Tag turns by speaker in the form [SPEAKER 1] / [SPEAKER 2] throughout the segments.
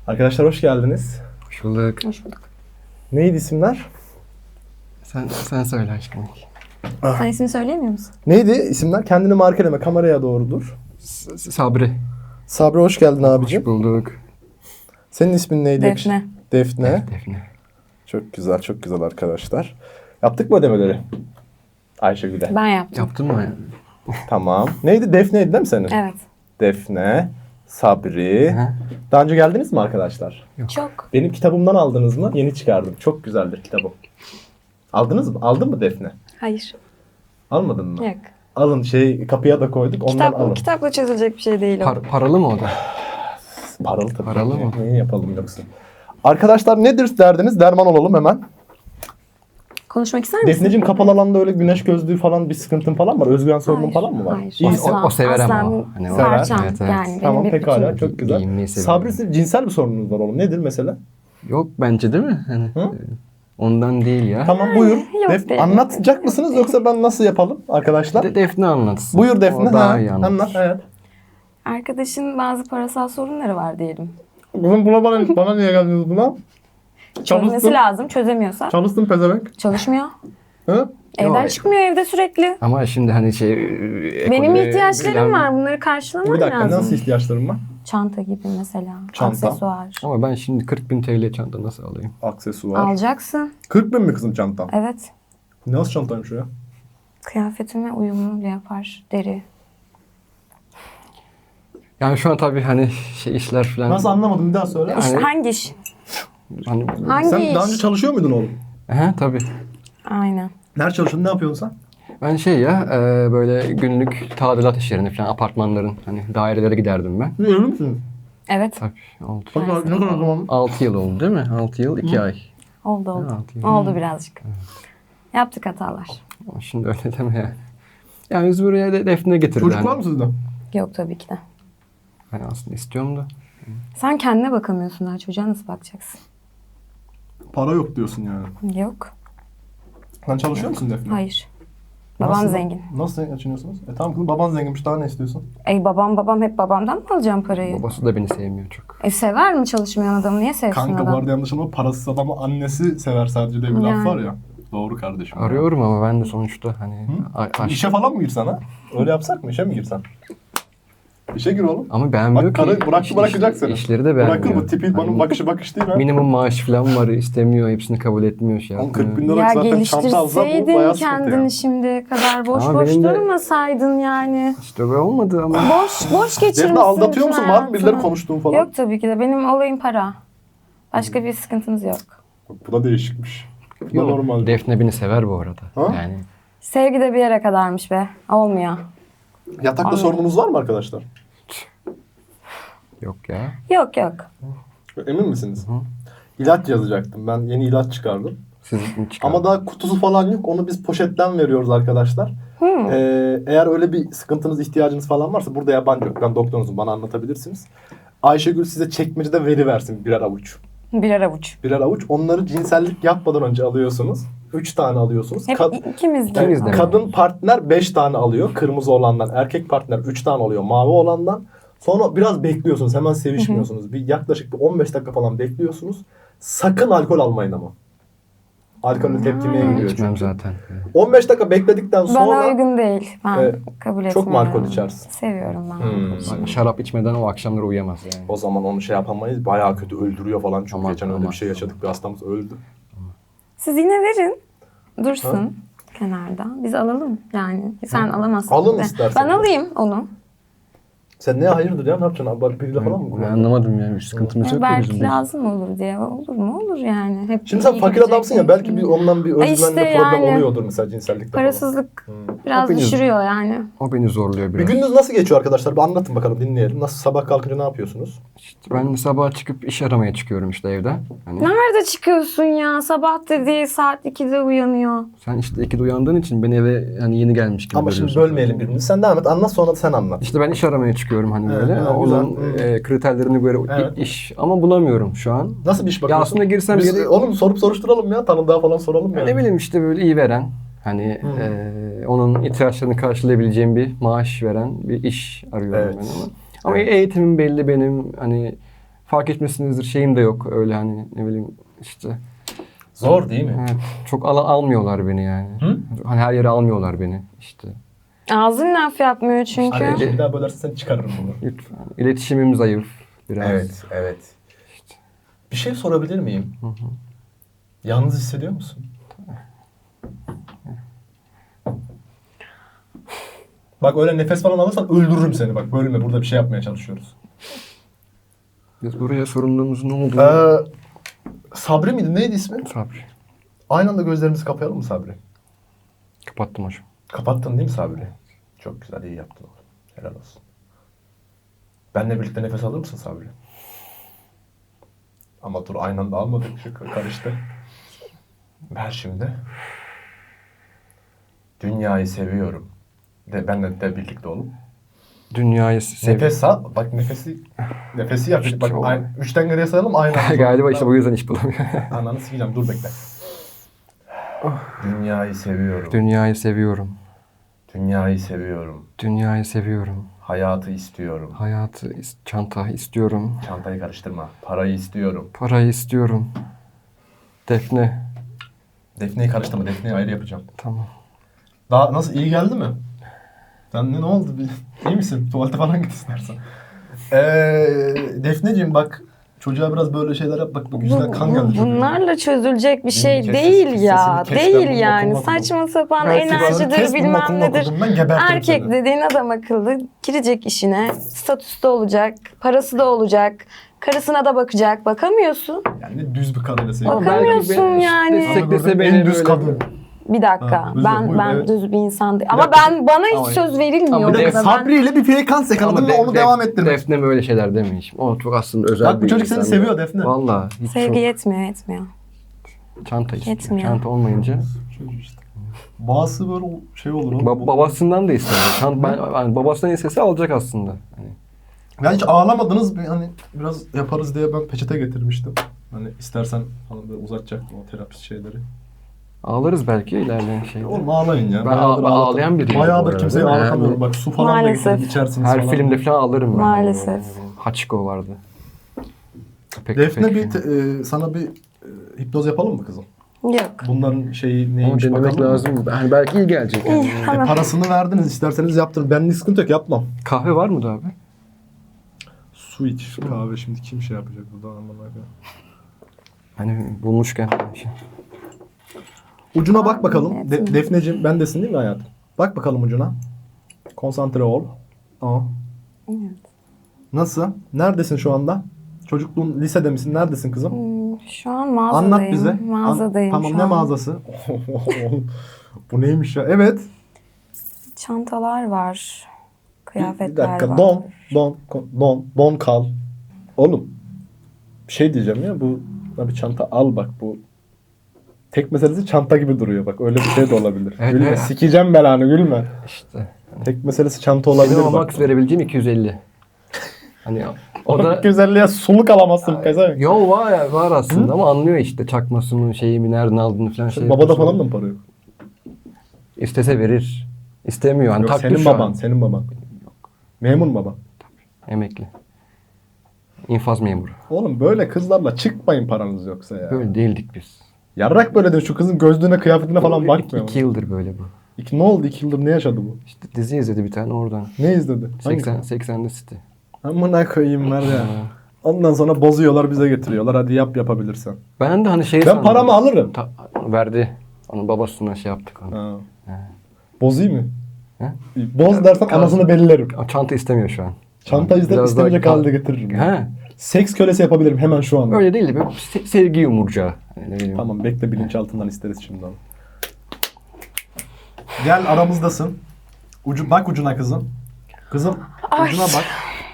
[SPEAKER 1] Arkadaşlar hoş geldiniz.
[SPEAKER 2] Hoş bulduk.
[SPEAKER 3] Hoş bulduk.
[SPEAKER 1] Neydi isimler?
[SPEAKER 2] Sen söyle aşkım.
[SPEAKER 3] Sen ismini söyleyemiyor musun?
[SPEAKER 1] Neydi isimler? Kendini markeleme, kameraya doğru dur.
[SPEAKER 2] Sabri.
[SPEAKER 1] Sabri hoş geldin abicim.
[SPEAKER 2] Hoş bulduk.
[SPEAKER 1] Senin ismin neydi?
[SPEAKER 3] Defne.
[SPEAKER 1] Defne.
[SPEAKER 2] Defne.
[SPEAKER 1] Çok güzel, çok güzel arkadaşlar. Yaptık mı ödemeleri? Ayşegül'e.
[SPEAKER 3] Ben yaptım.
[SPEAKER 2] Yaptın mı?
[SPEAKER 1] Tamam. Neydi? Defne'ydi değil mi senin?
[SPEAKER 3] Evet.
[SPEAKER 1] Defne, Sabri.
[SPEAKER 2] Hı.
[SPEAKER 1] Daha önce geldiniz mi arkadaşlar?
[SPEAKER 3] Çok.
[SPEAKER 1] Benim kitabımdan aldınız mı? Yeni çıkardım. Çok güzeldir kitabım. Aldınız mı? Aldın mı Defne?
[SPEAKER 3] Hayır.
[SPEAKER 1] Almadın mı?
[SPEAKER 3] Yok.
[SPEAKER 1] Alın kapıya da koyduk. Ondan alın.
[SPEAKER 3] Kitapla çözülecek bir şey değil o.
[SPEAKER 2] Paralı mı o da?
[SPEAKER 1] Paralı tabii.
[SPEAKER 2] Paralı mı?
[SPEAKER 1] Niye yapalım yoksa? Arkadaşlar nedir derdiniz? Derman olalım hemen.
[SPEAKER 3] Konuşmak ister misin?
[SPEAKER 1] Defneciğim kapalı alanda öyle güneş gözlüğü falan bir sıkıntın falan var. Özgüven sorunun
[SPEAKER 3] Hayır,
[SPEAKER 1] falan mı var?
[SPEAKER 3] hayır.
[SPEAKER 1] İyi.
[SPEAKER 2] O sever ama
[SPEAKER 3] aslan
[SPEAKER 2] o. Hani o-
[SPEAKER 3] parçam.
[SPEAKER 2] Evet, evet.
[SPEAKER 3] Yani
[SPEAKER 1] Tamam
[SPEAKER 3] benim bir
[SPEAKER 1] pekala
[SPEAKER 3] bütünüm.
[SPEAKER 1] çok güzel.
[SPEAKER 2] Giyinmeyi seviyorum.
[SPEAKER 1] Sabri sizin cinsel bir sorununuz var oğlum. Nedir mesela?
[SPEAKER 2] Yok bence değil mi? Hani,
[SPEAKER 1] Hı?
[SPEAKER 2] ondan değil ya.
[SPEAKER 1] Tamam buyur.
[SPEAKER 3] yok değil.
[SPEAKER 1] Anlatacak mısınız yoksa ben nasıl yapalım arkadaşlar?
[SPEAKER 2] Defne anlatsın.
[SPEAKER 1] Buyur Defne.
[SPEAKER 2] O daha
[SPEAKER 1] Ha,
[SPEAKER 2] iyi anlatır.
[SPEAKER 1] anlat hayat.
[SPEAKER 3] Arkadaşın bazı parasal sorunları var diyelim.
[SPEAKER 1] Buna bana niye geldiniz buna?
[SPEAKER 3] Çözmesi lazım. Çözemiyorsa
[SPEAKER 1] Çalıştın pezevenk.
[SPEAKER 3] çalışmıyor.
[SPEAKER 1] Hı?
[SPEAKER 3] Evden
[SPEAKER 2] Yok.
[SPEAKER 3] çıkmıyor evde sürekli.
[SPEAKER 2] Ama şimdi hani
[SPEAKER 3] Benim
[SPEAKER 2] ekolü
[SPEAKER 3] ihtiyaçlarım
[SPEAKER 2] bilen-
[SPEAKER 3] var. Bunları karşılamam
[SPEAKER 1] Bir dakika
[SPEAKER 3] lazım.
[SPEAKER 1] nasıl ihtiyaçlarım var?
[SPEAKER 3] Çanta gibi mesela.
[SPEAKER 1] Çanta.
[SPEAKER 3] Aksesuar.
[SPEAKER 2] Ama ben şimdi 40.000 TL çanta nasıl alayım?
[SPEAKER 1] Aksesuar.
[SPEAKER 3] Alacaksın.
[SPEAKER 1] 40 bin mi kızım çantam?
[SPEAKER 3] Evet.
[SPEAKER 1] Nasıl çantaymış o ya?
[SPEAKER 3] Kıyafetime uyumlu yapar. Deri.
[SPEAKER 2] Yani şu an tabii hani işler falan.
[SPEAKER 1] Nasıl anlamadım bir daha söyle.
[SPEAKER 2] Yani-
[SPEAKER 3] İş, hangi iş?
[SPEAKER 2] Hani,
[SPEAKER 3] Hangi
[SPEAKER 1] Sen
[SPEAKER 3] iş?
[SPEAKER 1] daha önce çalışıyor muydun oğlum?
[SPEAKER 2] tabii.
[SPEAKER 3] Aynen.
[SPEAKER 1] Nerede çalışıyordun? Ne yapıyorsun sen?
[SPEAKER 2] Ben böyle günlük tadilat işlerini falan apartmanların hani dairelere giderdim ben.
[SPEAKER 1] Evli misin?
[SPEAKER 3] Evet.
[SPEAKER 2] Tabii oldu.
[SPEAKER 1] Ne kadar zaman?
[SPEAKER 2] 6 yıl oldu değil mi? 6 yıl 2 ay.
[SPEAKER 3] Oldu oldu.
[SPEAKER 2] Ha, altı yıl.
[SPEAKER 3] Oldu birazcık. Yaptık hatalar.
[SPEAKER 2] Ama şimdi öyle deme yani. Yani biz buraya Defne getirdi.
[SPEAKER 1] Çocuk
[SPEAKER 2] hani.
[SPEAKER 1] var mı sizde?
[SPEAKER 3] Yok tabii ki de.
[SPEAKER 2] Hani aslında istiyorum da.
[SPEAKER 3] Sen kendine bakamıyorsun daha çocuğa nasıl bakacaksın?
[SPEAKER 1] Para yok diyorsun yani.
[SPEAKER 3] Yok.
[SPEAKER 1] Sen çalışıyor musun Defne?
[SPEAKER 3] Hayır. Babam
[SPEAKER 1] Nasıl?
[SPEAKER 3] zengin.
[SPEAKER 1] Nasıl geçiniyorsunuz? Tamam kızım baban zenginmiş daha ne istiyorsun?
[SPEAKER 3] Babam hep babamdan mı alacağım parayı?
[SPEAKER 2] Babası da beni sevmiyor çok.
[SPEAKER 3] Sever mi çalışmayan adamı? Niye sevsin
[SPEAKER 1] Kanka bu
[SPEAKER 3] adam?
[SPEAKER 1] arada yanlış ama parasız adamı annesi sever sadece diye bir laf
[SPEAKER 3] Yani.
[SPEAKER 1] var ya. Doğru kardeşim.
[SPEAKER 2] Arıyorum ama ben de sonuçta hani
[SPEAKER 1] İşe falan mı girsen ha? Öyle yapsak mı? İşe mi girsen? İşe gir oğlum.
[SPEAKER 2] ama beğenmiyor
[SPEAKER 1] Bak karı
[SPEAKER 2] ki.
[SPEAKER 1] bırakacak seni.
[SPEAKER 2] İşleri de beğenmiyor.
[SPEAKER 1] Bırakır bu tipi bana
[SPEAKER 2] Hani
[SPEAKER 1] bakış değil ha.
[SPEAKER 2] minimum maaş falan var istemiyor. Hepsini kabul etmiyor şey
[SPEAKER 1] Oğlum
[SPEAKER 2] yapmıyor.
[SPEAKER 1] 40 bin lira
[SPEAKER 3] Ya
[SPEAKER 1] zaten çanta alsa bu
[SPEAKER 3] geliştirseydin
[SPEAKER 1] bayağı sıkıntı
[SPEAKER 3] kendini
[SPEAKER 1] ya.
[SPEAKER 3] şimdiye kadar. Boş
[SPEAKER 2] Ama
[SPEAKER 3] boş
[SPEAKER 2] benim de-
[SPEAKER 3] durmasaydın yani.
[SPEAKER 2] İşte böyle olmadı ama.
[SPEAKER 3] Boş geçirmişsin.
[SPEAKER 1] Defne aldatıyor
[SPEAKER 3] bütün
[SPEAKER 1] musun? Var mı birileri
[SPEAKER 3] hayatını.
[SPEAKER 1] konuştuğun falan?
[SPEAKER 3] Yok tabii ki de. Benim olayım para. Başka bir sıkıntımız yok.
[SPEAKER 1] Bu da değişikmiş. Bu da
[SPEAKER 2] Yok,
[SPEAKER 1] normal.
[SPEAKER 2] Defne beni sever bu arada.
[SPEAKER 1] Ha?
[SPEAKER 2] Yani
[SPEAKER 3] Sevgi de bir yere kadarmış be. Olmuyor.
[SPEAKER 1] Yatakta
[SPEAKER 3] Anladım.
[SPEAKER 1] sorununuz var mı arkadaşlar?
[SPEAKER 2] yok ya.
[SPEAKER 3] Yok yok.
[SPEAKER 1] Emin misiniz? İlaç yazacaktım. Ben yeni ilaç çıkardım.
[SPEAKER 2] Sizin çıkar.
[SPEAKER 1] Ama daha kutusu falan yok. Onu biz poşetten veriyoruz arkadaşlar. Eğer öyle bir sıkıntınız, ihtiyacınız falan varsa burada yabancı yok. Ben doktorunuzum. Bana anlatabilirsiniz. Ayşegül size çekmecede veriversin birer avuç.
[SPEAKER 3] Birer avuç.
[SPEAKER 1] Birer avuç. Onları cinsellik yapmadan önce alıyorsunuz. 3 tane alıyorsunuz.
[SPEAKER 3] Hep ikimiz de.
[SPEAKER 2] İkimiz de.
[SPEAKER 1] Kadın partner 5 tane alıyor. Kırmızı olandan. Erkek partner 3 tane alıyor. Mavi olandan. Sonra biraz bekliyorsunuz. Hemen sevişmiyorsunuz. Bir yaklaşık bir 15 dakika falan bekliyorsunuz. Sakın alkol almayın ama. Alkolün tepkimeye giriyor
[SPEAKER 2] İçmem
[SPEAKER 1] çünkü.
[SPEAKER 2] zaten.
[SPEAKER 1] 15 dakika bekledikten
[SPEAKER 3] Bana
[SPEAKER 1] sonra
[SPEAKER 3] uygun değil. Ben
[SPEAKER 1] e,
[SPEAKER 3] kabul etmiyorum.
[SPEAKER 1] çok mu alkol içersin?
[SPEAKER 3] Seviyorum ben alkol içmeyi.
[SPEAKER 2] Yani şarap içmeden o akşamları uyuyamaz yani.
[SPEAKER 1] o zaman onu şey yapamayız. Bayağı kötü öldürüyor falan. Çünkü
[SPEAKER 2] Aman,
[SPEAKER 1] geçen öyle
[SPEAKER 2] aman.
[SPEAKER 1] bir şey yaşadık. Bir hastamız öldü.
[SPEAKER 3] Siz yine verin. Dursun kenarda. Biz alalım yani. Sen alamazsın.
[SPEAKER 1] Alın
[SPEAKER 3] de.
[SPEAKER 1] istersen.
[SPEAKER 3] Ben alayım onu.
[SPEAKER 1] Sen neye hayırdır ya? Ne yapacaksın? Abi biriyle falan mı
[SPEAKER 2] Ben
[SPEAKER 1] kullanıyorsun?
[SPEAKER 2] anlamadım yani. Bir sıkıntımız yok da
[SPEAKER 3] Belki
[SPEAKER 2] bizim.
[SPEAKER 3] lazım olur diye. Olur mu? Olur yani. Hep
[SPEAKER 1] Şimdi sen
[SPEAKER 3] iyi
[SPEAKER 1] fakir
[SPEAKER 3] gidecek
[SPEAKER 1] adamsın ya. Belki bir ondan bir
[SPEAKER 3] Ay
[SPEAKER 1] özgüvenle
[SPEAKER 3] işte
[SPEAKER 1] problem
[SPEAKER 3] yani.
[SPEAKER 1] oluyordur mesela cinsellikte falan.
[SPEAKER 3] Parasızlık biraz
[SPEAKER 2] Hepiniz-
[SPEAKER 3] düşürüyor yani.
[SPEAKER 2] O beni zorluyor
[SPEAKER 1] Bir
[SPEAKER 2] biraz.
[SPEAKER 1] gününüz nasıl geçiyor arkadaşlar? Bir anlatın bakalım dinleyelim. Nasıl sabah kalkınca ne yapıyorsunuz?
[SPEAKER 2] İşte ben sabah çıkıp iş aramaya çıkıyorum işte evden. Hani
[SPEAKER 3] Nerede çıkıyorsun ya? Sabah dediği saat 2'de uyanıyor.
[SPEAKER 2] sen işte 2'de uyandığın için beni eve hani yeni gelmiş gibi
[SPEAKER 1] Ama şimdi
[SPEAKER 2] görüyorsun.
[SPEAKER 1] bölmeyelim birbirimizi. Sen devam et. Anlat sonra da sen anlat.
[SPEAKER 2] İşte ben iş aramaya çıkıyorum hani
[SPEAKER 1] Evet,
[SPEAKER 2] böyle.
[SPEAKER 1] evet,
[SPEAKER 2] Onun
[SPEAKER 1] güzel.
[SPEAKER 2] kriterlerini göre
[SPEAKER 1] Evet.
[SPEAKER 2] iş ama bulamıyorum şu an.
[SPEAKER 1] Nasıl bir iş
[SPEAKER 2] Ya
[SPEAKER 1] bakıyorsun?
[SPEAKER 2] aslında girsem
[SPEAKER 1] Biz,
[SPEAKER 2] yeri-
[SPEAKER 1] oğlum sorup soruşturalım ya. Tanıdığa falan soralım ya.
[SPEAKER 2] Ne bileyim işte böyle iyi veren hani onun ihtiyaçlarını karşılayabileceğim bir maaş veren bir iş arıyorum
[SPEAKER 1] Evet.
[SPEAKER 2] ben ama. Ama eğitimim belli benim hani fark etmesinizdir şeyim de yok. Öyle hani ne bileyim işte.
[SPEAKER 1] Zor değil mi?
[SPEAKER 2] Evet, çok almıyorlar beni yani.
[SPEAKER 1] Hı?
[SPEAKER 2] Hani her yere almıyorlar beni işte.
[SPEAKER 3] Ağzın laf yapmıyor çünkü.
[SPEAKER 1] Hani bir daha bölersen sen çıkarırım bunu.
[SPEAKER 2] Lütfen. İletişimim zayıf biraz.
[SPEAKER 1] Evet, evet. Bir şey sorabilir miyim? Yalnız hissediyor musun? Bak öyle nefes falan alırsan öldürürüm seni. Bak bölme, burada bir şey yapmaya çalışıyoruz.
[SPEAKER 2] Biz buraya sorunluğumuz ne oldu?
[SPEAKER 1] Sabri miydi? Neydi ismi?
[SPEAKER 2] Sabri.
[SPEAKER 1] Aynı anda gözlerimizi kapayalım mı Sabri?
[SPEAKER 2] Kapattım hocam.
[SPEAKER 1] Kapattın değil mi Sabri? Çok güzel, iyi yaptın oğlum. Helal olsun. Benle birlikte nefes alır mısın Sabri? Ama dur, aynı anda almadık. Şu karıştı. Ver şimdi. Dünyayı seviyorum. Benle de birlikte olun.
[SPEAKER 2] Dünyayı sev.
[SPEAKER 1] Nefes al. Bak nefesi yap. Bak
[SPEAKER 2] Çok.
[SPEAKER 1] 3'ten geriye sayalım aynı anda.
[SPEAKER 2] Galiba işte bu yüzden iş bulamıyor.
[SPEAKER 1] Ananı sikeceğim, dur bekle. Dünyayı seviyorum.
[SPEAKER 2] Dünyayı seviyorum.
[SPEAKER 1] Dünyayı seviyorum.
[SPEAKER 2] Dünyayı seviyorum.
[SPEAKER 1] Hayatı istiyorum.
[SPEAKER 2] Hayatı, çanta istiyorum.
[SPEAKER 1] Çantayı karıştırma. Parayı istiyorum.
[SPEAKER 2] Parayı istiyorum. Defne.
[SPEAKER 1] Defneyi karıştırma. Defneyi ayrı yapacağım.
[SPEAKER 2] Tamam.
[SPEAKER 1] Daha nasıl, iyi geldi mi? Sen ne oldu? İyi misin? Tuvalete falan git istersen. Defneciğim bak, çocuğa biraz böyle şeyler yap. Bak yüzünden kan geldi çocuğun.
[SPEAKER 3] Bunlarla çözülecek bir şey
[SPEAKER 1] Kesin-
[SPEAKER 3] değil
[SPEAKER 1] kesin
[SPEAKER 3] ya.
[SPEAKER 1] kes, ben
[SPEAKER 3] Değil
[SPEAKER 1] bunu
[SPEAKER 3] yani.
[SPEAKER 1] okulda
[SPEAKER 3] Saçma sapan
[SPEAKER 2] Belki
[SPEAKER 3] enerjidir
[SPEAKER 1] Kes, bunun
[SPEAKER 3] bilmem
[SPEAKER 1] okulunu
[SPEAKER 3] nedir.
[SPEAKER 1] okudum ben, gebertirim
[SPEAKER 3] Erkek
[SPEAKER 1] seni.
[SPEAKER 3] dediğin adam akıllı girecek işine. Statüsü de olacak. Parası da olacak. Karısına da bakacak. Bakamıyorsun.
[SPEAKER 1] Yani düz bir kadın deseydim.
[SPEAKER 3] Ama Bakamıyorsun yani.
[SPEAKER 2] Desteklese beni
[SPEAKER 1] en düz
[SPEAKER 2] böyle-
[SPEAKER 1] kadın.
[SPEAKER 3] Bir dakika.
[SPEAKER 1] Ha, buyur,
[SPEAKER 3] ben
[SPEAKER 1] evet.
[SPEAKER 3] düz bir insan değilim.
[SPEAKER 1] Bir
[SPEAKER 3] Ama
[SPEAKER 1] dakika.
[SPEAKER 3] bana hiç
[SPEAKER 2] Ama-
[SPEAKER 3] söz verilmiyor.
[SPEAKER 2] Ama
[SPEAKER 1] Bir dakika,
[SPEAKER 3] orada. Ben-
[SPEAKER 1] Sabri ile bir frekans yakaladın ve onu devam ettirme.
[SPEAKER 2] Defne böyle şeyler demeyiş. O çok aslında özel
[SPEAKER 1] Bak bu
[SPEAKER 2] bir
[SPEAKER 1] çocuk seni
[SPEAKER 2] insan.
[SPEAKER 1] seviyor Defne.
[SPEAKER 2] Valla. hiç
[SPEAKER 3] Sevgi yetmiyor.
[SPEAKER 2] çok çanta istiyor.
[SPEAKER 3] Yetmiyor.
[SPEAKER 2] Çanta olmayınca.
[SPEAKER 1] Çocuk işte. Bazısı böyle şey olur. oğlum.
[SPEAKER 2] Babasından da istemiyor. Yani babasından istese alacak aslında. Hani
[SPEAKER 1] Ya hiç ağlamadınız mı? Hani biraz yaparız diye ben peçete getirmiştim. Hani istersen falan böyle uzatacaktım o terapist şeyleri.
[SPEAKER 2] ağlarız belki ilerleyen şeyde.
[SPEAKER 1] Oğlum ağlayın ya.
[SPEAKER 2] Ben
[SPEAKER 1] Bayağıdır
[SPEAKER 2] ağlayan biriyim bu
[SPEAKER 1] Bayağıdır
[SPEAKER 2] arada.
[SPEAKER 1] kimseyi
[SPEAKER 2] Yani-
[SPEAKER 1] ağlatamıyorum. Bak su falan da
[SPEAKER 3] Maalesef.
[SPEAKER 1] getirip içersiniz
[SPEAKER 2] Her
[SPEAKER 1] falan.
[SPEAKER 2] filmde falan ağlarım ben.
[SPEAKER 3] Maalesef.
[SPEAKER 2] Hachiko vardı. Pek,
[SPEAKER 1] Defne
[SPEAKER 2] pek.
[SPEAKER 1] sana bir hipnoz yapalım mı kızım?
[SPEAKER 3] Yok.
[SPEAKER 1] Bunların şeyi
[SPEAKER 2] Onu
[SPEAKER 1] neymiş
[SPEAKER 2] denemek
[SPEAKER 1] bakalım mı?
[SPEAKER 2] lazım. Yani belki iyi gelecek. Yani.
[SPEAKER 1] Parasını verdiniz, isterseniz yaptırın. Benlik sıkıntı yok, yapmam.
[SPEAKER 2] Kahve var mı da abi?
[SPEAKER 1] Su iç, kahve şimdi kim şey yapacak burada, aman Allah'ım.
[SPEAKER 2] Hani bulmuşken.
[SPEAKER 1] Ucuna bak bakalım.
[SPEAKER 3] Evet.
[SPEAKER 1] Defneciğim, bendesin değil mi hayatım? Bak bakalım ucuna. Konsantre ol. Aa.
[SPEAKER 3] Evet.
[SPEAKER 1] Nasıl? Neredesin şu anda? Çocukluğun, lisede misin? Neredesin kızım?
[SPEAKER 3] Şu an mağazadayım.
[SPEAKER 1] Anlat bize.
[SPEAKER 3] Mağazadayım
[SPEAKER 1] Tamam,
[SPEAKER 3] şu
[SPEAKER 1] ne
[SPEAKER 3] an.
[SPEAKER 1] mağazası? Bu neymiş ya? Evet.
[SPEAKER 3] Çantalar var. Kıyafetler
[SPEAKER 1] Bir dakika.
[SPEAKER 3] var.
[SPEAKER 1] Don kal. Oğlum. Bir şey diyeceğim ya. Bu bir çanta al bak. Bu tek meselesi çanta gibi duruyor. Bak öyle bir şey de olabilir.
[SPEAKER 2] Evet,
[SPEAKER 1] Gülme.
[SPEAKER 2] evet.
[SPEAKER 1] Sikeceğim belanı, gülme.
[SPEAKER 2] İşte.
[SPEAKER 1] Tek meselesi çanta olabilir
[SPEAKER 2] Benim
[SPEAKER 1] bak.
[SPEAKER 2] max verebileceğim 250. Hani o da
[SPEAKER 1] 250'ye suluk alamazsın pezevenk.
[SPEAKER 2] yol var aslında ama anlıyor işte çakmasını, şeyimi nereden aldığını falan şey.
[SPEAKER 1] Babada
[SPEAKER 2] yapıyor.
[SPEAKER 1] falan da mı para yok?
[SPEAKER 2] İstese verir. İstemiyor. Hani
[SPEAKER 1] Yok,
[SPEAKER 2] taktı
[SPEAKER 1] senin
[SPEAKER 2] şu
[SPEAKER 1] baban,
[SPEAKER 2] an.
[SPEAKER 1] senin baban. Memur baban.
[SPEAKER 2] Emekli. İnfaz memuru.
[SPEAKER 1] Oğlum böyle kızlarla çıkmayın paranız yoksa ya.
[SPEAKER 2] Böyle değildik biz.
[SPEAKER 1] Yarrak böyle de şu kızın gözlüğüne, kıyafetine falan bakmıyor.
[SPEAKER 2] 2 yıldır böyle bu.
[SPEAKER 1] Ne oldu? 2 yıldır ne yaşadı bu?
[SPEAKER 2] İşte dizi izledi bir tane oradan.
[SPEAKER 1] Ne izledi?
[SPEAKER 2] 80'de City.
[SPEAKER 1] Amına koyayım var ya. Ondan sonra bozuyorlar, bize getiriyorlar. Hadi yapabilirsen.
[SPEAKER 2] Ben de hani şey
[SPEAKER 1] Ben
[SPEAKER 2] sandım.
[SPEAKER 1] paramı alırım.
[SPEAKER 2] Verdi. Onun babasına şey yaptık onu.
[SPEAKER 1] Ha.
[SPEAKER 2] He.
[SPEAKER 1] Bozayım mı?
[SPEAKER 2] He?
[SPEAKER 1] Boz dersen anasını bellerim.
[SPEAKER 2] O çanta istemiyor şu an.
[SPEAKER 1] Çanta izler,
[SPEAKER 2] Biraz daha
[SPEAKER 1] istemeyecek halde getiririm.
[SPEAKER 2] He.
[SPEAKER 1] Seks kölesi yapabilirim hemen şu anda.
[SPEAKER 2] Öyle değil de böyle sevgi yumurcağı. Yani ne bileyim.
[SPEAKER 1] Tamam, bekle, bilinçaltından isteriz şimdi onu. Gel, aramızdasın. Bak ucuna kızım. Kızım
[SPEAKER 3] Ay.
[SPEAKER 1] ucuna bak.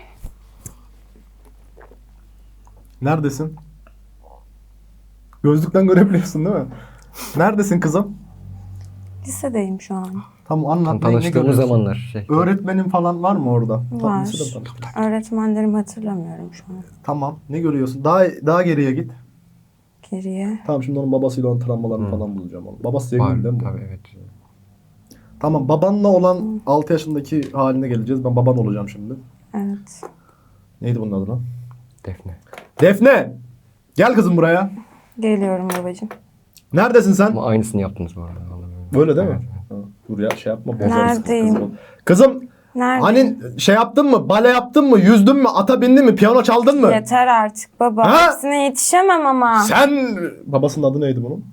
[SPEAKER 1] Neredesin? Gözlükten görebiliyorsun değil mi? Neredesin kızım?
[SPEAKER 3] Lisedeyim şu an.
[SPEAKER 1] Tamam, anlat. Ne
[SPEAKER 2] Tanıştığımız
[SPEAKER 1] görüyorsun?
[SPEAKER 2] zamanlar şey.
[SPEAKER 1] Öğretmenin falan var mı orada?
[SPEAKER 3] Var.
[SPEAKER 1] Tamam, lisede mi tanıştın?
[SPEAKER 3] Öğretmenlerimi hatırlamıyorum şu an.
[SPEAKER 1] Tamam. Ne görüyorsun? Daha geriye git.
[SPEAKER 3] Geriye.
[SPEAKER 1] Tamam, şimdi onun babasıyla onun travmalarını falan bulacağım. Onu. Babası
[SPEAKER 2] Var,
[SPEAKER 1] zengin değil mi? bu?
[SPEAKER 2] tabii evet.
[SPEAKER 1] Tamam, babanla olan 6 yaşındaki haline geleceğiz. Ben baban olacağım şimdi.
[SPEAKER 3] Evet.
[SPEAKER 1] Neydi bunun adı lan?
[SPEAKER 2] Defne.
[SPEAKER 1] Defne! Gel kızım buraya.
[SPEAKER 3] Geliyorum babacığım.
[SPEAKER 1] Neredesin sen?
[SPEAKER 2] Ama aynısını yaptınız bu arada. Vallahi.
[SPEAKER 1] Böyle değil mi? Ha, dur ya şey yapma. Bozarız
[SPEAKER 3] Neredeyim?
[SPEAKER 1] kızım. Kızım
[SPEAKER 3] Nerede?
[SPEAKER 1] hani şey yaptın mı? Bale yaptın mı? Yüzdün mü? Ata bindin mi? Piyano çaldın mı?
[SPEAKER 3] Yeter artık baba.
[SPEAKER 1] Ha?
[SPEAKER 3] Hepsine yetişemem ama.
[SPEAKER 1] Sen... Babasının adı neydi bunun?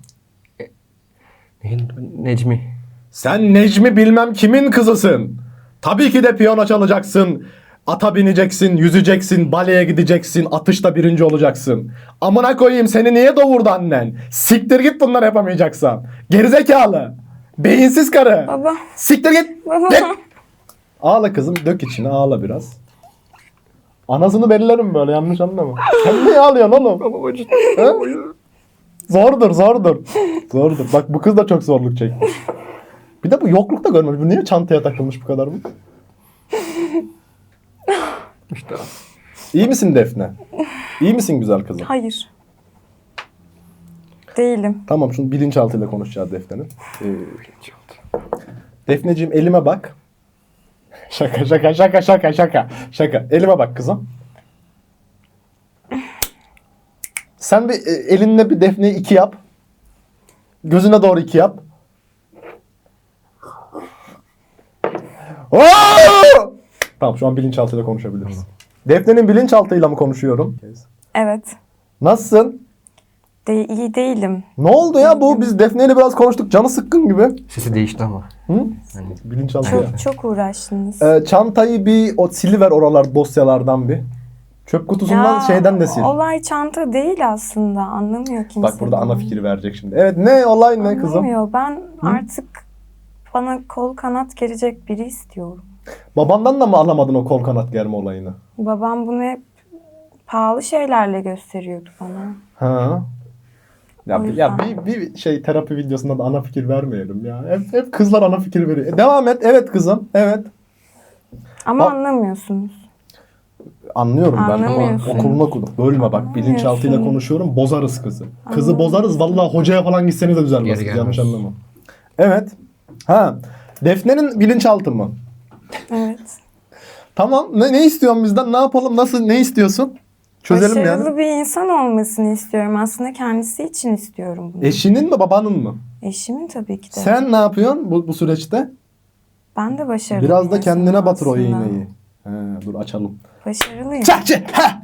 [SPEAKER 2] Necmi.
[SPEAKER 1] Sen Necmi bilmem kimin kızısın. Tabii ki de piyano çalacaksın. Ata bineceksin, yüzeceksin, baleye gideceksin, atışta birinci olacaksın. Amına koyayım seni niye doğurdu annen? Siktir git bunları yapamayacaksan. Gerizekalı. Beyinsiz karı.
[SPEAKER 3] Baba.
[SPEAKER 1] Siktir git.
[SPEAKER 3] Baba.
[SPEAKER 1] Git. Ağla kızım, dök içine, ağla biraz. Anasını bellerim böyle, yanlış anlama. Sen niye ağlıyorsun oğlum? Ha? Zordur. Zordur. Bak bu kız da çok zorluk çekmiş. Bir de bu yoklukta görmüş. Bu niye çantaya takılmış bu kadar mı?
[SPEAKER 2] İşte.
[SPEAKER 1] İyi misin Defne? İyi misin güzel kızım?
[SPEAKER 3] Hayır. Değilim.
[SPEAKER 1] Tamam, şunu bilinçaltıyla konuşacağız Defne'nin. Defneciğim elime bak. Şaka. Elime bak kızım. Sen bir elinle bir Defne'yi 2 yap. Gözüne doğru 2 yap. Oo! Tamam, şu an bilinçaltıyla konuşabiliriz. Defne'nin bilinçaltıyla mı konuşuyorum?
[SPEAKER 3] Evet.
[SPEAKER 1] Nasılsın?
[SPEAKER 3] İyi değilim.
[SPEAKER 1] Ne oldu ya bu? Biz Defne'yle biraz konuştuk. Canı sıkkın gibi.
[SPEAKER 2] Sesi değişti ama.
[SPEAKER 1] Hı?
[SPEAKER 2] Hani
[SPEAKER 1] Bilinçaltı ya.
[SPEAKER 3] Çok uğraştınız.
[SPEAKER 1] Çantayı bir siliver oralar dosyalardan bir. Çöp kutusundan şeyden de sil.
[SPEAKER 3] Olay çanta değil aslında. Anlamıyor kimse.
[SPEAKER 1] Bak burada ana
[SPEAKER 3] bunu.
[SPEAKER 1] fikri verecek şimdi. Evet, ne olay ne kızım?
[SPEAKER 3] Anlamıyor. Ben artık bana kol kanat gelecek biri istiyorum.
[SPEAKER 1] Babandan da mı alamadın o kol kanat germe olayını?
[SPEAKER 3] Babam bunu hep pahalı şeylerle gösteriyordu bana.
[SPEAKER 1] Ha.
[SPEAKER 3] O
[SPEAKER 1] Ya
[SPEAKER 3] yüzden.
[SPEAKER 1] bir şey terapi videosunda da ana fikir vermeyelim ya. Hep kızlar ana fikir veriyor. Devam et. Evet kızım. Evet.
[SPEAKER 3] Ama
[SPEAKER 1] Bak-
[SPEAKER 3] anlamıyorsunuz.
[SPEAKER 1] Anlıyorum ben ama
[SPEAKER 3] Anlamıyorsun.
[SPEAKER 1] okulunu okudum. Bölme bak. Bilinçaltıyla
[SPEAKER 3] Anlamıyorsun.
[SPEAKER 1] konuşuyorum. Bozarız kızı. Kızı bozarız. Vallahi hocaya falan gitseniz de düzelmez.
[SPEAKER 2] Geri gelmez.
[SPEAKER 1] Yanlış anlama. Evet. Ha. Defne'nin bilinçaltı mı?
[SPEAKER 3] Evet.
[SPEAKER 1] Tamam. Ne istiyorsun bizden? Ne yapalım? Nasıl? Ne istiyorsun? Çözelim
[SPEAKER 3] Başarılı
[SPEAKER 1] yani.
[SPEAKER 3] bir insan olmasını istiyorum. Aslında kendisi için istiyorum bunu.
[SPEAKER 1] Eşinin mi babanın mı?
[SPEAKER 3] Eşimin tabii ki de.
[SPEAKER 1] Sen ne yapıyorsun bu süreçte?
[SPEAKER 3] Ben de başarılı
[SPEAKER 1] Biraz
[SPEAKER 3] bir
[SPEAKER 1] da kendine
[SPEAKER 3] insanım
[SPEAKER 1] batır o
[SPEAKER 3] aslında.
[SPEAKER 1] iğneyi. He, dur açalım.
[SPEAKER 3] Başarılıyım.
[SPEAKER 1] Çakçı!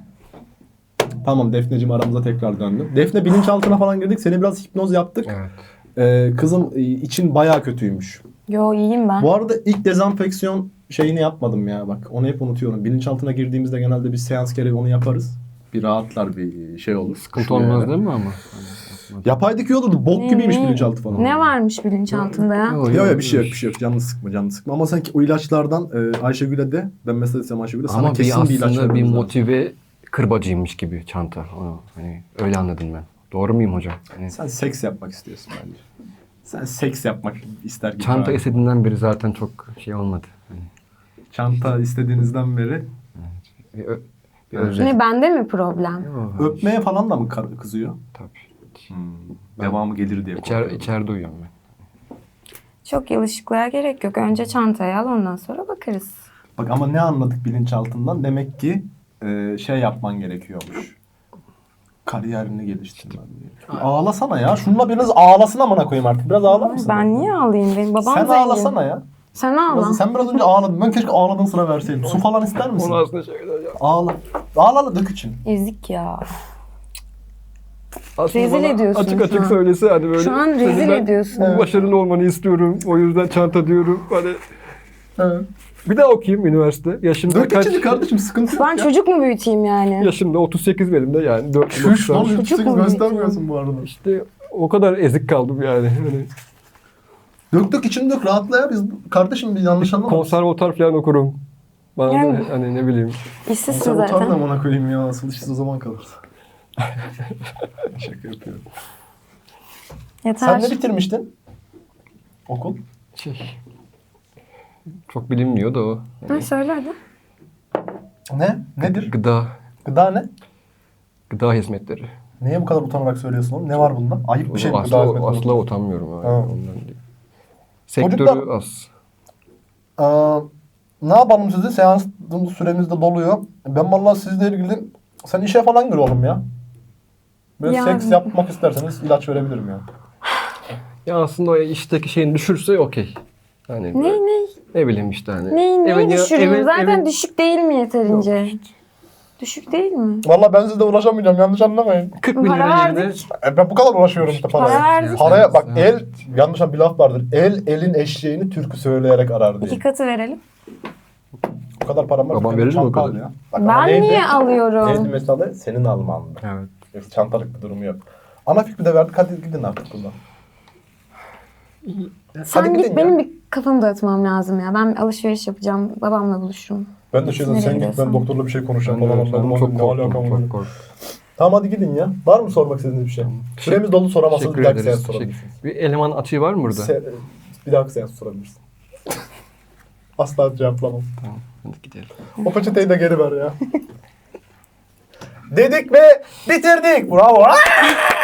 [SPEAKER 1] Tamam Defneciğim, aramıza tekrar döndüm. Defne bilinçaltına falan girdik. Seni biraz hipnoz yaptık.
[SPEAKER 2] evet.
[SPEAKER 1] Kızım için bayağı kötüymüş.
[SPEAKER 3] Yo iyiyim ben.
[SPEAKER 1] Bu arada ilk dezenfeksiyon şeyini yapmadım ya bak. Onu hep unutuyorum. Bilinçaltına girdiğimizde genelde bir seans gereği onu yaparız. Bir rahatlar, bir şey olur.
[SPEAKER 2] Sıkıntı
[SPEAKER 1] Şuraya
[SPEAKER 2] olmaz
[SPEAKER 1] yani.
[SPEAKER 2] değil mi ama?
[SPEAKER 1] Yapaydık iyi olurdu. Bok gibiymiş bilinçaltı falan.
[SPEAKER 3] Ne varmış bilinçaltında ya?
[SPEAKER 1] Yok bir şey yok. Canını sıkma. Ama sanki o ilaçlardan Ayşegül'e de, ben mesela desem Ayşegül'e sana
[SPEAKER 2] Ama
[SPEAKER 1] kesin bir ilaç
[SPEAKER 2] aslında bir
[SPEAKER 1] vermemiz lazım.
[SPEAKER 2] motive kırbacıymış gibi çanta. Onu, hani öyle anladım ben. Doğru muyum hocam? Hani
[SPEAKER 1] Sen seks yapmak istiyorsun bence. Sen seks yapmak ister gibi.
[SPEAKER 2] çanta
[SPEAKER 1] abi.
[SPEAKER 2] istediğinden beri zaten çok şey olmadı. Hani
[SPEAKER 1] Çanta istediğinizden beri
[SPEAKER 2] bir özlem.
[SPEAKER 3] Ne bende mi problem?
[SPEAKER 2] Yok,
[SPEAKER 1] öpmeye falan da mı kızıyor?
[SPEAKER 2] tabii.
[SPEAKER 1] Devamı gelir diye korkuyorum.
[SPEAKER 2] İçeride uyuyorum ben.
[SPEAKER 3] Çok yılışıklığa gerek yok. Önce çantayı al ondan sonra bakarız.
[SPEAKER 1] Bak ama ne anladık bilinçaltından? Demek ki şey yapman gerekiyormuş. Kariyerini geliştirmen gerekiyor. Ağlasana ya. Şununla biriniz ağlasın amına koyayım artık. Biraz ağlar mısın?
[SPEAKER 3] Ben niye ağlayayım? Benim babam
[SPEAKER 1] Sen
[SPEAKER 3] zengin.
[SPEAKER 1] ağlasana ya.
[SPEAKER 3] Sen ağla.
[SPEAKER 1] Sen biraz önce ağladın. Ben keşke ağladığın sıra verseydim. Su falan ister misin?
[SPEAKER 2] aslında şeyler ya.
[SPEAKER 1] Ağla. Ağla dök için.
[SPEAKER 3] Ezik ya.
[SPEAKER 2] Aslında
[SPEAKER 3] Rezil
[SPEAKER 2] bana
[SPEAKER 3] ediyorsun
[SPEAKER 2] açık
[SPEAKER 3] şu
[SPEAKER 2] açık
[SPEAKER 3] an.
[SPEAKER 2] söylese hani böyle.
[SPEAKER 3] Şu an
[SPEAKER 2] hani
[SPEAKER 3] rezil
[SPEAKER 2] ben
[SPEAKER 3] ediyorsun.
[SPEAKER 2] Başarılı olmanı istiyorum. O yüzden çanta diyorum. Hani
[SPEAKER 1] Evet.
[SPEAKER 2] bir daha okuyayım üniversite. Yaşımda
[SPEAKER 1] Dök içini kardeşim, sıkıntı yok
[SPEAKER 3] Ben
[SPEAKER 1] ya.
[SPEAKER 3] çocuk mu büyüteyim yani?
[SPEAKER 2] Yaşımda 38 benim de yani. 4
[SPEAKER 1] Şuş lan
[SPEAKER 3] Çocuk
[SPEAKER 1] 38
[SPEAKER 3] mu
[SPEAKER 1] göstermiyorsun bu arada.
[SPEAKER 2] İşte o kadar ezik kaldım yani. Hani
[SPEAKER 1] Dök içini dök, rahatla ya. Biz kardeşim bir yanlış anlama.
[SPEAKER 2] konservatuar falan okurum. Bana da
[SPEAKER 3] Yani.
[SPEAKER 2] hani ne bileyim.
[SPEAKER 3] İşsizsin
[SPEAKER 1] Sen utanma
[SPEAKER 3] zaten.
[SPEAKER 1] amına koyayım ya. Asıl işsiz o zaman kalır. Şaka yapıyorum.
[SPEAKER 3] Yeter.
[SPEAKER 1] Sen ne bitirmiştin? Okul.
[SPEAKER 2] Şey, çok bilinmiyor da o.
[SPEAKER 3] Ha, söyle hadi.
[SPEAKER 1] Ne? Nedir? Gıda ne?
[SPEAKER 2] Gıda hizmetleri.
[SPEAKER 1] Niye bu kadar utanarak söylüyorsun oğlum? Ne var bunda? Ayıp bir şey mi gıda hizmetleri?
[SPEAKER 2] Asla utanmıyorum. Yani.
[SPEAKER 1] Ha.
[SPEAKER 2] Ondan değil. Sektörü
[SPEAKER 1] Çocuklar-
[SPEAKER 2] az.
[SPEAKER 1] Ne yapalım sizi? Seans süremiz de doluyor. Ben vallahi sizle ilgili Sen işe falan gir oğlum ya. Böyle
[SPEAKER 3] Ya-
[SPEAKER 1] seks yapmak isterseniz ilaç verebilirim ya.
[SPEAKER 2] Ya aslında o işteki şeyin düşürse okey. Hani
[SPEAKER 3] Ne?
[SPEAKER 2] ne bileyim işte hani.
[SPEAKER 3] Neyi düşüreyim? Zaten
[SPEAKER 2] evin-
[SPEAKER 3] düşük değil mi yeterince? Düşük değil mi?
[SPEAKER 1] Vallahi ben sizle uğraşamayacağım, yanlış anlamayın.
[SPEAKER 2] 40 bin
[SPEAKER 3] Para
[SPEAKER 2] lira yerine
[SPEAKER 3] verdik.
[SPEAKER 1] Ben bu kadar uğraşıyorum işte
[SPEAKER 3] Para
[SPEAKER 1] paraya.
[SPEAKER 3] verdik.
[SPEAKER 1] Paraya bak,
[SPEAKER 2] Evet.
[SPEAKER 1] yanlış bir laf vardır. Elin eşeğini türkü söyleyerek arar diye.
[SPEAKER 3] 2 katı verelim.
[SPEAKER 1] Bu kadar param var.
[SPEAKER 2] Babam
[SPEAKER 1] benim
[SPEAKER 2] verir mi o
[SPEAKER 1] çanta
[SPEAKER 2] kadar?
[SPEAKER 1] al ya. Bak ama
[SPEAKER 3] Ben
[SPEAKER 1] neydi?
[SPEAKER 3] niye alıyorum?
[SPEAKER 1] Neydi mesela? Senin almandı.
[SPEAKER 2] Evet.
[SPEAKER 1] Yoksa çantalık bir durumu yok. Ana fikri de verdik, hadi gidin artık buradan.
[SPEAKER 3] Sen
[SPEAKER 1] Hadi
[SPEAKER 3] git,
[SPEAKER 1] gidin
[SPEAKER 3] benim
[SPEAKER 1] ya.
[SPEAKER 3] bir kafamı dağıtmam lazım ya. Ben bir alışveriş yapacağım. Babamla buluşurum.
[SPEAKER 1] Ben de şey
[SPEAKER 3] Nereye
[SPEAKER 1] sen git, ben
[SPEAKER 3] gidiyorsan.
[SPEAKER 1] doktorla bir şey konuşacağım
[SPEAKER 2] Ben de
[SPEAKER 1] falan.
[SPEAKER 2] öyle.
[SPEAKER 1] Anladım,
[SPEAKER 2] Çok
[SPEAKER 1] ne alaka
[SPEAKER 2] korktum.
[SPEAKER 1] amına
[SPEAKER 2] Çok
[SPEAKER 1] koyayım.
[SPEAKER 2] korktum.
[SPEAKER 1] Tamam hadi gidin ya. Var mı sormak istediğiniz bir şey? Süremiz dolu, soramazsanız bir
[SPEAKER 2] Teşekkür
[SPEAKER 1] dahaki
[SPEAKER 2] ederiz.
[SPEAKER 1] seans sorabilirsiniz.
[SPEAKER 2] Bir eleman açığı var mı burada?
[SPEAKER 1] Bir dahaki seans sorabilirsin. Asla cevaplamam.
[SPEAKER 2] Tamam. Hadi gidelim.
[SPEAKER 1] O peçeteyi de geri ver ya. Dedik ve bitirdik. Bravo.